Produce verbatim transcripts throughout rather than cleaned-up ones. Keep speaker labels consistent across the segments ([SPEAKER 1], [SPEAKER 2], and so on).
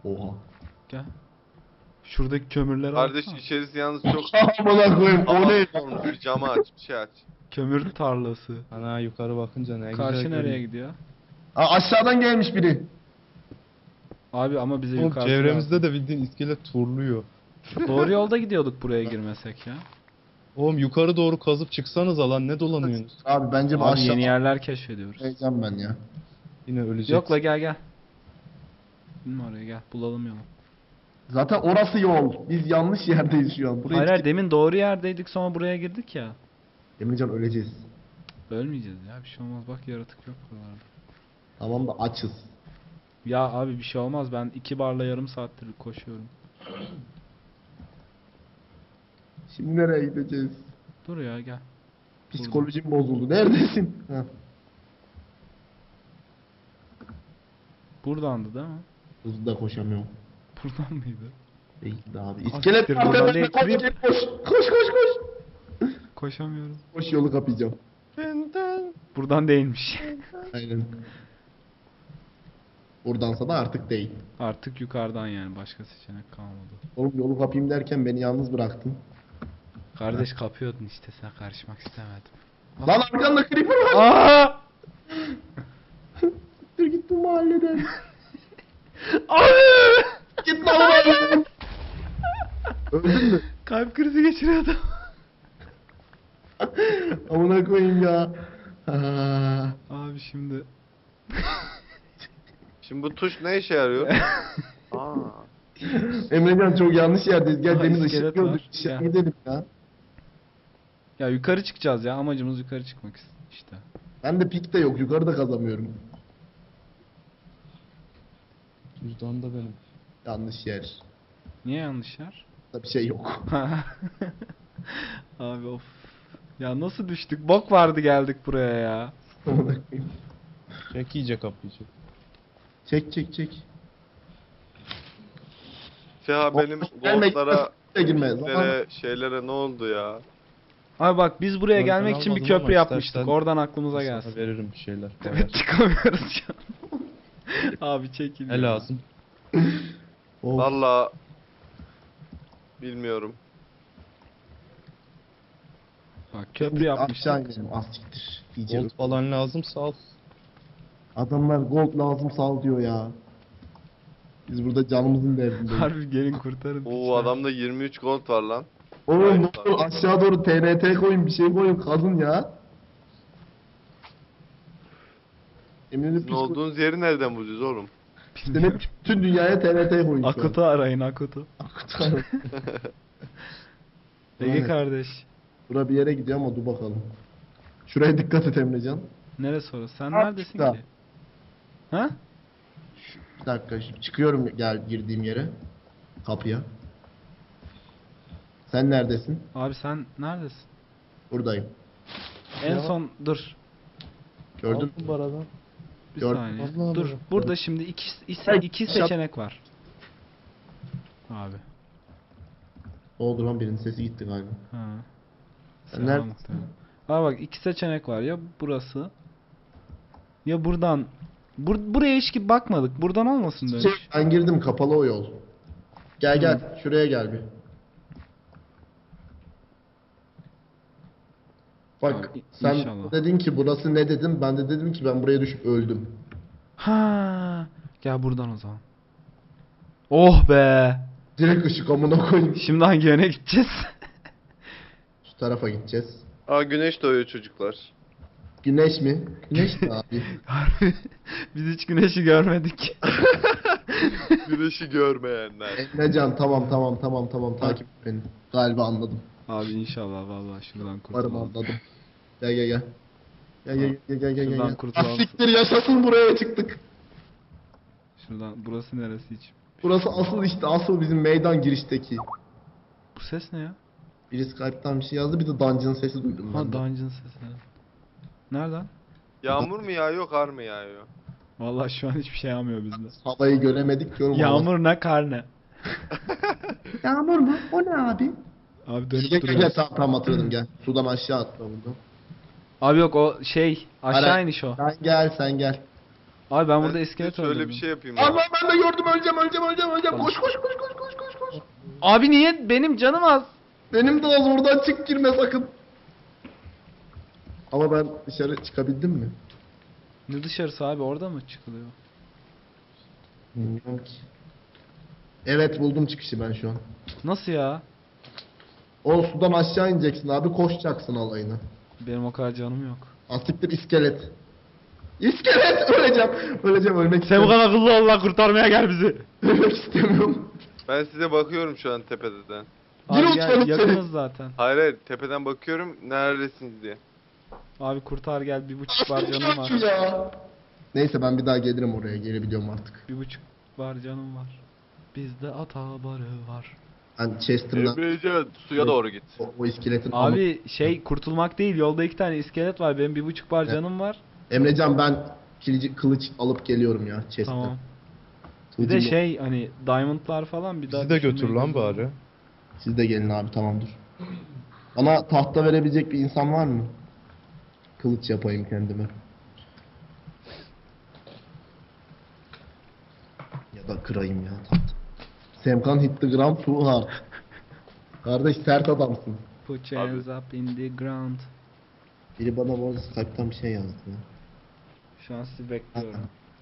[SPEAKER 1] Oha.
[SPEAKER 2] Gel. Şuradaki kömürleri
[SPEAKER 3] Kardeş
[SPEAKER 2] alsana.
[SPEAKER 3] içerisi yalnız çok
[SPEAKER 1] Amına koyayım o ne?
[SPEAKER 3] olmuş. Bir camı aç, bir şey aç.
[SPEAKER 2] Kömür tarlası.
[SPEAKER 4] Ana yukarı bakınca ne
[SPEAKER 2] Karşı
[SPEAKER 4] güzel
[SPEAKER 2] nereye
[SPEAKER 4] görünüyor.
[SPEAKER 2] gidiyor?
[SPEAKER 1] Aa, aşağıdan gelmiş biri.
[SPEAKER 2] Abi ama bize
[SPEAKER 4] Oğlum
[SPEAKER 2] yukarısı
[SPEAKER 4] çevremizde
[SPEAKER 2] lazım.
[SPEAKER 4] de bildiğin iskelet turluyor.
[SPEAKER 2] Doğru yolda gidiyorduk buraya girmesek ya.
[SPEAKER 4] Oğlum yukarı doğru kazıp çıksanız alan ne dolanıyorsunuz?
[SPEAKER 1] Abi bence bu
[SPEAKER 2] Abi
[SPEAKER 1] aşağı
[SPEAKER 2] yeni yerler keşfediyoruz.
[SPEAKER 1] Heyecan ben ya.
[SPEAKER 4] Yine öleceksin.
[SPEAKER 2] Yok la gel gel. Bilme oraya gel. Bulalım yolu.
[SPEAKER 1] Zaten orası yol. Biz yanlış yerdeyiz şu an. Buraya
[SPEAKER 2] Hayır hayır demin doğru yerdeydik sonra buraya girdik ya.
[SPEAKER 1] Emircan öleceğiz.
[SPEAKER 2] Ölmeyeceğiz ya bir şey olmaz bak yaratık yok buralarda.
[SPEAKER 1] Tamam da açız.
[SPEAKER 2] Ya abi bir şey olmaz ben iki barla yarım saattir koşuyorum.
[SPEAKER 1] Şimdi nereye gideceğiz?
[SPEAKER 2] Dur ya gel.
[SPEAKER 1] Psikolojim bozuldu. Neredesin? Heh.
[SPEAKER 2] Buradandı değil mi?
[SPEAKER 1] Hızlı da koşamıyorum.
[SPEAKER 2] Buradan mıydı?
[SPEAKER 1] Değildi abi.
[SPEAKER 2] Ah,
[SPEAKER 1] İskelet
[SPEAKER 2] siktir,
[SPEAKER 1] var
[SPEAKER 2] burada
[SPEAKER 1] tepemde. Koş,
[SPEAKER 2] elektrik-
[SPEAKER 1] koş koş koş koş.
[SPEAKER 2] Koşamıyorum.
[SPEAKER 1] Koş yolu kapayacağım.
[SPEAKER 2] Buradan değilmiş.
[SPEAKER 1] Aynen. Buradansa da artık değil.
[SPEAKER 2] Artık yukarıdan yani başka seçenek kalmadı.
[SPEAKER 1] Oğlum yolu kapayım derken beni yalnız bıraktın.
[SPEAKER 2] Kardeş kapıyordun işte sen karışmak istemedim.
[SPEAKER 1] Lan arkanda creeper var.
[SPEAKER 2] Aa!
[SPEAKER 1] Dur git bu mahalleden.
[SPEAKER 2] Abi!
[SPEAKER 1] Git lan mahalleden. Öldün mü?
[SPEAKER 2] Kalp krizi geçiriyordum.
[SPEAKER 1] Amına koyayım ya. Ha.
[SPEAKER 2] Abi şimdi
[SPEAKER 3] Şimdi bu tuş ne işe yarıyor? Aa.
[SPEAKER 1] Emrecan çok yanlış yerdeyiz. Gel
[SPEAKER 2] Aha,
[SPEAKER 1] deniz
[SPEAKER 2] iskelet
[SPEAKER 1] ışık gördük.
[SPEAKER 2] var.
[SPEAKER 1] Işığa
[SPEAKER 2] Gel.
[SPEAKER 1] gidelim ya.
[SPEAKER 2] ya yukarı çıkacağız ya amacımız yukarı çıkmak işte.
[SPEAKER 1] Ben de pik de yok. Yukarıda kazamıyorum.
[SPEAKER 4] Cüzdan da benim.
[SPEAKER 1] Yanlış yer.
[SPEAKER 2] Niye yanlış yer?
[SPEAKER 1] Da bir şey yok.
[SPEAKER 2] Abi of. Ya nasıl düştük? Bok vardı geldik buraya ya.
[SPEAKER 1] Amına koyayım.
[SPEAKER 4] Çek iyice kapıyı çek.
[SPEAKER 1] Çek çek çek.
[SPEAKER 3] Ya benim
[SPEAKER 1] Gelme,
[SPEAKER 3] goldlara,
[SPEAKER 1] gitme, girme. Zaman-
[SPEAKER 3] şeylere, şeylere ne oldu ya?
[SPEAKER 2] Abi bak biz buraya
[SPEAKER 4] Ben
[SPEAKER 2] gelmek için bir
[SPEAKER 4] almadım ama
[SPEAKER 2] köprü yapmıştık.
[SPEAKER 4] istersen
[SPEAKER 2] Oradan aklımıza
[SPEAKER 4] Sana
[SPEAKER 2] gelsin.
[SPEAKER 4] veririm bir şeyler.
[SPEAKER 2] Evet çıkamıyoruz şu an. Abi çekil.
[SPEAKER 4] Ne
[SPEAKER 2] ya.
[SPEAKER 4] lazım?
[SPEAKER 1] Of.
[SPEAKER 3] Valla bilmiyorum.
[SPEAKER 2] Bak köprü
[SPEAKER 1] Aşağı
[SPEAKER 2] yapmıştık.
[SPEAKER 1] inelim. Az siktir. Diyeceğim.
[SPEAKER 4] Gold falan lazımsa al.
[SPEAKER 1] Adamlar gold lazım sal diyor ya. Biz burada canımızın derdindeyiz.
[SPEAKER 2] Harbi gelin kurtarın.
[SPEAKER 3] Oo
[SPEAKER 2] piçler.
[SPEAKER 3] adamda yirmi üç gold var lan.
[SPEAKER 1] Oğlum ne olur aşağı doğru T N T koyun bir şey koyun kazın ya. Eminim
[SPEAKER 3] Sizin olduğunuz yeri nereden bulacağız oğlum?
[SPEAKER 1] Demek ki bütün dünyaya T N T koyun şu an.
[SPEAKER 2] Akut'u arayın Akut'u.
[SPEAKER 1] Akut.
[SPEAKER 2] Ege
[SPEAKER 1] Evet.
[SPEAKER 2] kardeş.
[SPEAKER 1] Bura bir yere gidiyor ama dur bakalım. Şuraya dikkat et Emrecan.
[SPEAKER 2] Neresi orası? Sen
[SPEAKER 1] Abi,
[SPEAKER 2] neredesin
[SPEAKER 1] şurada.
[SPEAKER 2] ki? Ha?
[SPEAKER 1] Bir dakika şimdi çıkıyorum gel girdiğim yere. Kapıya. Sen neredesin?
[SPEAKER 2] Abi sen neredesin?
[SPEAKER 1] Buradayım.
[SPEAKER 2] En
[SPEAKER 4] Ya.
[SPEAKER 2] son dur.
[SPEAKER 1] Gördün
[SPEAKER 4] Aldım
[SPEAKER 1] mü?
[SPEAKER 4] baradan.
[SPEAKER 2] Bir
[SPEAKER 1] Gör-
[SPEAKER 2] saniye.
[SPEAKER 4] Allah'ım
[SPEAKER 2] Dur.
[SPEAKER 4] ya.
[SPEAKER 2] Burada şimdi iki, iki,
[SPEAKER 1] Hey,
[SPEAKER 2] iki
[SPEAKER 1] şap-
[SPEAKER 2] seçenek var. Abi.
[SPEAKER 1] Ne oldu lan birinin sesi gitti galiba.
[SPEAKER 2] Ha.
[SPEAKER 1] Sen
[SPEAKER 2] Selam
[SPEAKER 1] neredesin?
[SPEAKER 2] muhtemelen. Abi bak iki seçenek var. Ya burası. Ya buradan. Bur buraya hiç ki bakmadık. Buradan olmasın
[SPEAKER 1] Şey,
[SPEAKER 2] dönüş.
[SPEAKER 1] ben girdim kapalı o yol. Gel gel şuraya gel bir. Bak
[SPEAKER 2] Abi, i-
[SPEAKER 1] sen
[SPEAKER 2] inşallah.
[SPEAKER 1] dedin ki burası ne dedim ben de dedim ki ben buraya düşüp öldüm.
[SPEAKER 2] Ha. Gel buradan o zaman. Oh be.
[SPEAKER 1] Direkt ışık amına koyayım.
[SPEAKER 2] Şimdi hangi yöne gideceğiz?
[SPEAKER 1] Şu tarafa gideceğiz.
[SPEAKER 3] Aa güneş doğuyor çocuklar.
[SPEAKER 1] Güneş mi? Güneş mi abi?
[SPEAKER 2] Harbi. Biz hiç güneşi görmedik.
[SPEAKER 3] Güneşi görmeyenler.
[SPEAKER 1] Emrecan tamam tamam tamam tamam takip et beni. Galiba anladım.
[SPEAKER 2] Abi inşallah vallahi şuradan
[SPEAKER 1] Umarım
[SPEAKER 2] kurtulalım.
[SPEAKER 1] anladım. Gel gel gel. Gel gel gel gel gel
[SPEAKER 2] Şuradan
[SPEAKER 1] gel.
[SPEAKER 2] kurtulalım.
[SPEAKER 1] Ah, siktir yaşasın buraya çıktık.
[SPEAKER 2] Şuradan burası neresi hiç?
[SPEAKER 1] Burası asıl işte asıl bizim meydan girişteki.
[SPEAKER 2] Bu ses ne ya?
[SPEAKER 1] Biri Skype'tan bir şey yazdı bir de dungeon sesi duydum
[SPEAKER 2] Ha
[SPEAKER 1] ben de.
[SPEAKER 2] dungeon sesi. Nereden?
[SPEAKER 3] Yağmur mu yağıyor, kar mı yağıyor?
[SPEAKER 2] Vallahi şu an hiçbir şey yağmıyor bizde.
[SPEAKER 1] Havayı göremedik diyorum.
[SPEAKER 2] Yağmur ne kar ne?
[SPEAKER 1] Yağmur mu? O ne abi?
[SPEAKER 2] Abi
[SPEAKER 1] Gel
[SPEAKER 2] dönüp
[SPEAKER 1] gel gel
[SPEAKER 2] duruyor.
[SPEAKER 1] tamam tamam hatırladım gel. Sudan aşağı atla buradan.
[SPEAKER 2] Abi yok o şey aşağı
[SPEAKER 1] Ara-
[SPEAKER 2] iniş o.
[SPEAKER 1] Sen gel sen gel.
[SPEAKER 2] Abi ben burada
[SPEAKER 3] Ben
[SPEAKER 2] iskelet
[SPEAKER 3] şöyle
[SPEAKER 2] öldürdüm.
[SPEAKER 3] bir şey yapayım ya.
[SPEAKER 1] Allah ben de gördüm öleceğim öleceğim öleceğim öleceğim. Koş koş koş koş koş koş koş.
[SPEAKER 2] Abi niye benim canım az?
[SPEAKER 1] Benim de az oradan çık girme sakın. Ama ben dışarı çıkabildim mi?
[SPEAKER 2] Ne dışarısı abi, orada mı çıkılıyor?
[SPEAKER 1] Bilmiyorum ki. Evet buldum çıkışı ben şu an.
[SPEAKER 2] Nasıl ya?
[SPEAKER 1] O sudan aşağı ineceksin abi koşacaksın alayını.
[SPEAKER 2] Benim o kadar canım yok.
[SPEAKER 1] Asiktir iskelet. İskelet öleceğim. Öleceğim ölmek
[SPEAKER 2] Sen bu
[SPEAKER 1] istemiyorum.
[SPEAKER 2] kadar akıllı ol lan, kurtarmaya gel bizi.
[SPEAKER 1] Ölmek istemiyorum.
[SPEAKER 3] Ben size bakıyorum şu an tepeden.
[SPEAKER 1] Yürü
[SPEAKER 2] Abi
[SPEAKER 1] uçalım
[SPEAKER 2] gel,
[SPEAKER 1] seni.
[SPEAKER 2] yakınız zaten.
[SPEAKER 3] Hayır hayır tepeden bakıyorum neredesiniz diye.
[SPEAKER 2] Abi kurtar gel, bir buçuk var canım var.
[SPEAKER 1] Asiktir ya. Neyse ben bir daha gelirim oraya gelebiliyorum artık.
[SPEAKER 2] Bir buçuk var canım var. Bizde ata barı var.
[SPEAKER 1] Ben Chester'dan
[SPEAKER 3] Emrecan suya doğru git.
[SPEAKER 1] o, o iskeletin
[SPEAKER 2] Abi şey kurtulmak değil, yolda iki tane iskelet var, benim bir buçuk var
[SPEAKER 1] Evet.
[SPEAKER 2] canım var.
[SPEAKER 1] Emrecan ben kilici, kılıç alıp geliyorum ya Chester.
[SPEAKER 2] Tamam. Bir de şey hani diamondlar falan bir daha
[SPEAKER 4] Bizi de götür
[SPEAKER 2] düşünmeyi
[SPEAKER 4] lan
[SPEAKER 2] göze al.
[SPEAKER 4] bari.
[SPEAKER 1] Siz de gelin abi tamamdır. Bana tahta verebilecek bir insan var mı? Kılıç yapayım kendime. Ya da kırayım ya tahta. Semkan hit the ground too hard. Kardeş sert adamsın.
[SPEAKER 2] Put your hands up in the ground.
[SPEAKER 1] Biri bana bu arada Skype'tan bir şey yazdı ya.
[SPEAKER 2] Şu an sizi bekliyorum.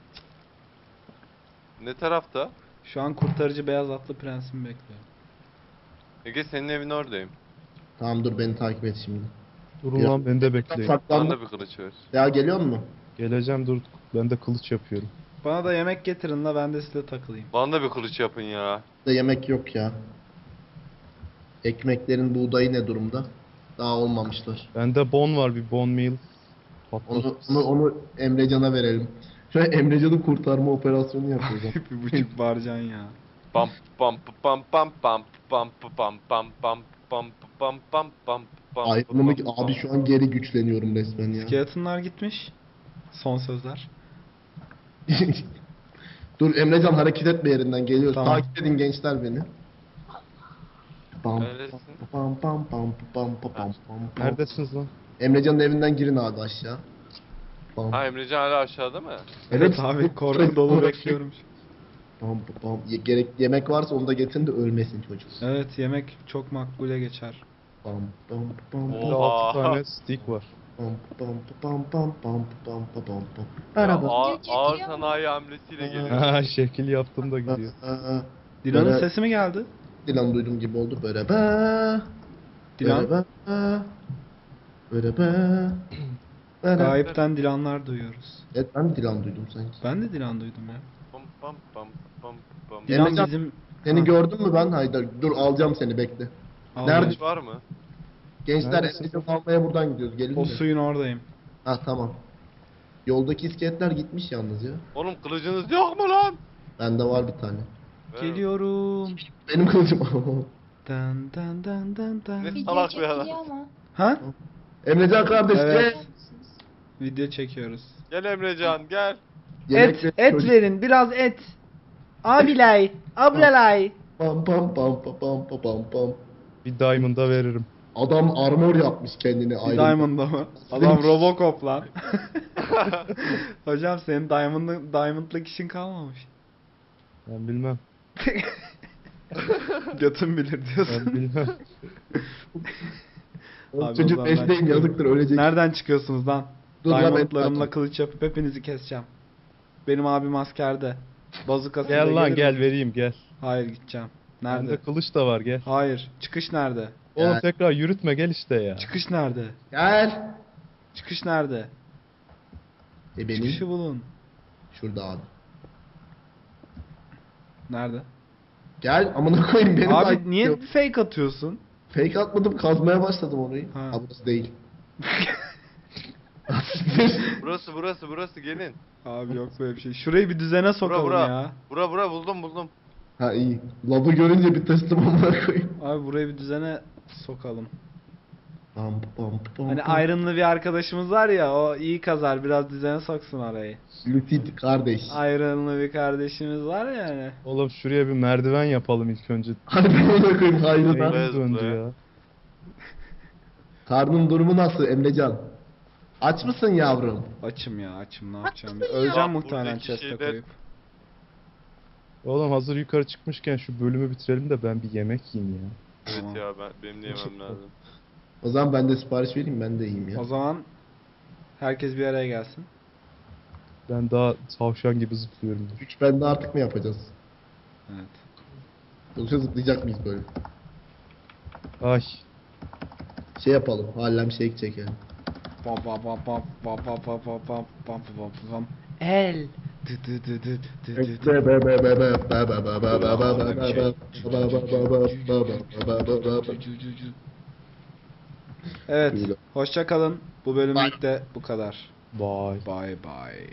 [SPEAKER 3] Ne tarafta?
[SPEAKER 2] Şu an kurtarıcı beyaz atlı prensimi bekliyorum.
[SPEAKER 3] Ege senin evin oradayım.
[SPEAKER 1] Tamam dur beni takip et şimdi.
[SPEAKER 4] Durun
[SPEAKER 1] Ya.
[SPEAKER 4] lan beni de bekleyin.
[SPEAKER 3] Bana
[SPEAKER 1] Saklandım.
[SPEAKER 3] da bir kılıç ver.
[SPEAKER 1] Ya geliyor mu?
[SPEAKER 4] Geleceğim dur. Ben de kılıç yapıyorum.
[SPEAKER 2] Bana da yemek getirin la, ben de size takılayım.
[SPEAKER 3] Bana da bir kılıç yapın ya.
[SPEAKER 1] Da yemek yok ya. Ekmeklerin buğdayı ne durumda? Daha olmamışlar.
[SPEAKER 4] Bende bon var, bir bon meal. Patlat.
[SPEAKER 1] Onu, onu, onu Emrecan'a verelim. Şöyle Emrecan'ın kurtarma operasyonu yapıyoruz.
[SPEAKER 2] bir buçuk var can ya.
[SPEAKER 3] Pam pam pam pam pam pam pam pam pam pam pam pam pam pam.
[SPEAKER 1] Ayrılımı abi şu an geri güçleniyorum resmen ya.
[SPEAKER 2] Skeletonlar gitmiş. Son sözler.
[SPEAKER 1] Dur Emrecan hareket etme yerinden geliyoruz.
[SPEAKER 2] Tamam.
[SPEAKER 1] Takip edin gençler beni. Pam
[SPEAKER 3] Neredesin?
[SPEAKER 1] pam pam pam pam pam pam pam.
[SPEAKER 4] Neredesiniz lan?
[SPEAKER 1] Emrecan'ın evinden girin abi aşağı. Pam.
[SPEAKER 3] Ha Emrecan hala aşağıda mı?
[SPEAKER 2] Evet abi, korku dolu bekliyorum.
[SPEAKER 1] Pam pam. Ye- gerek yemek varsa onu da getirin de ölmesin çocuk.
[SPEAKER 2] Evet, yemek çok makbule geçer.
[SPEAKER 1] Pam pam pam
[SPEAKER 3] Oo.
[SPEAKER 1] pam.
[SPEAKER 4] Bende
[SPEAKER 3] Oha.
[SPEAKER 4] altı tane stick var.
[SPEAKER 1] Pam pam pam pam pam pam pam pam pam.
[SPEAKER 3] Ya,
[SPEAKER 1] Araba.
[SPEAKER 3] ağır, ağır sanayi hamlesiyle geliyor.
[SPEAKER 4] Ha şekil yaptım da gidiyor.
[SPEAKER 2] Dilan'ın
[SPEAKER 1] Böyle-
[SPEAKER 2] sesi mi geldi?
[SPEAKER 1] Dilan duydum gibi oldu böyle be.
[SPEAKER 2] Dilan?
[SPEAKER 1] Böyle be. Böyle be. Böyle.
[SPEAKER 2] Gayipten Dilanlar duyuyoruz.
[SPEAKER 1] Evet ben Dilan duydum sanki.
[SPEAKER 2] Ben de Dilan duydum ya.
[SPEAKER 3] Pam pam pam pam pam.
[SPEAKER 2] Dilan
[SPEAKER 1] Emrecan,
[SPEAKER 2] bizim...
[SPEAKER 1] Seni
[SPEAKER 2] Ha,
[SPEAKER 1] gördün mü ben? Haydi dur alacağım seni bekle.
[SPEAKER 2] al
[SPEAKER 1] Nerede?
[SPEAKER 2] gel.
[SPEAKER 3] Kılıç var mı?
[SPEAKER 1] Gençler
[SPEAKER 4] Neredesin?
[SPEAKER 1] Emrecan almaya buradan gidiyoruz. Gelin
[SPEAKER 2] O
[SPEAKER 1] mi?
[SPEAKER 2] suyun oradayım.
[SPEAKER 1] Ha tamam. Yoldaki iskeletler gitmiş yalnız ya.
[SPEAKER 3] Oğlum kılıcınız yok mu lan?
[SPEAKER 1] Bende var bir tane.
[SPEAKER 3] Ver.
[SPEAKER 2] Geliyorum.
[SPEAKER 1] Benim kılıcım.
[SPEAKER 2] Dan dan dan dan dan.
[SPEAKER 3] Ne
[SPEAKER 5] Video
[SPEAKER 3] salak bir
[SPEAKER 5] çekiliyor
[SPEAKER 3] adam.
[SPEAKER 5] ama.
[SPEAKER 2] Ha?
[SPEAKER 1] Emrecan kardeş
[SPEAKER 2] Evet.
[SPEAKER 1] gel.
[SPEAKER 2] Video çekiyoruz.
[SPEAKER 3] Gel Emrecan gel.
[SPEAKER 1] Yemek
[SPEAKER 2] et,
[SPEAKER 1] ver,
[SPEAKER 2] et
[SPEAKER 1] çocuk.
[SPEAKER 2] verin, biraz et. Abilay, ablalay.
[SPEAKER 1] Pam pam pam pam pam pam pam pam.
[SPEAKER 4] Bir diamond'a veririm.
[SPEAKER 1] Adam armor yapmış kendine
[SPEAKER 2] Bir
[SPEAKER 1] ayrı.
[SPEAKER 2] Diamond'da mı? Adam Robocop lan. Hocam senin Diamond'lı, Diamond'lık işin kalmamış.
[SPEAKER 4] Ben bilmem.
[SPEAKER 2] Götün bilir diyorsun.
[SPEAKER 4] Ben bilmem.
[SPEAKER 1] Oğlum
[SPEAKER 2] Abi,
[SPEAKER 1] Çocuk
[SPEAKER 2] o zaman ben
[SPEAKER 1] beşteyim
[SPEAKER 2] çıkıyorum.
[SPEAKER 1] yazıktır ölecek.
[SPEAKER 2] Nereden çıkıyorsunuz lan?
[SPEAKER 1] Dur lan, ben-
[SPEAKER 2] Diamond'larımla kılıç yapıp hepinizi keseceğim. Benim abim askerde. Bazukasıyla
[SPEAKER 4] Gel lan
[SPEAKER 2] gelir
[SPEAKER 4] gel
[SPEAKER 2] mi?
[SPEAKER 4] vereyim gel.
[SPEAKER 2] Hayır, gideceğim. Nerede?
[SPEAKER 4] Bende kılıç da var gel.
[SPEAKER 2] Hayır. Çıkış nerede?
[SPEAKER 4] Oğlum
[SPEAKER 1] Gel.
[SPEAKER 4] tekrar yürütme gel işte ya.
[SPEAKER 2] Çıkış nerede?
[SPEAKER 1] Gel.
[SPEAKER 2] Çıkış nerede?
[SPEAKER 1] E benim
[SPEAKER 2] Çıkışı bulun.
[SPEAKER 1] şurada abi.
[SPEAKER 2] Nerede?
[SPEAKER 1] Gel amına koyayım beni takip
[SPEAKER 2] Abi niye
[SPEAKER 1] ediyor.
[SPEAKER 2] fake atıyorsun?
[SPEAKER 1] Fake atmadım kazmaya başladım orayı.
[SPEAKER 2] Ha.
[SPEAKER 1] Ha, burası değil.
[SPEAKER 3] Burası burası burası gelin.
[SPEAKER 2] Abi yok böyle bir şey. Şurayı bir düzene sokalım
[SPEAKER 3] bura.
[SPEAKER 2] ya.
[SPEAKER 3] Bura bura buldum buldum.
[SPEAKER 1] Ha iyi. Labı görünce bir tırstım amına koyayım.
[SPEAKER 2] Abi burayı bir düzene sokalım.
[SPEAKER 1] Pam pam pam.
[SPEAKER 2] Hani
[SPEAKER 1] pam.
[SPEAKER 2] Iron'lı bir arkadaşımız var ya, o iyi kazar, biraz düzene soksun arayı.
[SPEAKER 1] Lucid kardeş.
[SPEAKER 2] Iron'lı bir kardeşimiz var ya hani.
[SPEAKER 4] Oğlum şuraya bir merdiven yapalım ilk önce.
[SPEAKER 1] Hadi ben amına koyayım hayrına.
[SPEAKER 3] Zıplaya
[SPEAKER 4] Beynim döndü
[SPEAKER 3] zıplaya.
[SPEAKER 4] ya.
[SPEAKER 1] Karnın durumu nasıl Emrecan? Aç mısın yavrum?
[SPEAKER 2] Açım ya açım ne yapacağım. Öleceğim muhtemelen
[SPEAKER 3] buradaki
[SPEAKER 2] chest'e
[SPEAKER 3] şeyler-
[SPEAKER 2] koyup.
[SPEAKER 4] Oğlum hazır yukarı çıkmışken şu bölümü bitirelim de ben bir yemek yiyeyim ya.
[SPEAKER 3] Evet
[SPEAKER 2] Tamam.
[SPEAKER 3] ya ben benim de yemem lazım.
[SPEAKER 1] O zaman ben de sipariş vereyim, ben de yiyeyim ya.
[SPEAKER 2] O zaman herkes bir araya gelsin.
[SPEAKER 4] Ben daha tavşan gibi zıplıyorum.
[SPEAKER 1] Üç bende artık mı yapacağız?
[SPEAKER 2] Evet.
[SPEAKER 1] Yoksa zıplayacak mıyız böyle?
[SPEAKER 4] Ay.
[SPEAKER 1] Şey yapalım, hallem shake çekelim.
[SPEAKER 2] Pam pam pam pam pam pam pam pam pam pam pam pam. El. Dı dı dı dı dı dı dı. Evet. Hoşça kalın. Bu bölümlük de bu kadar.
[SPEAKER 4] Bye.
[SPEAKER 2] Bye bye.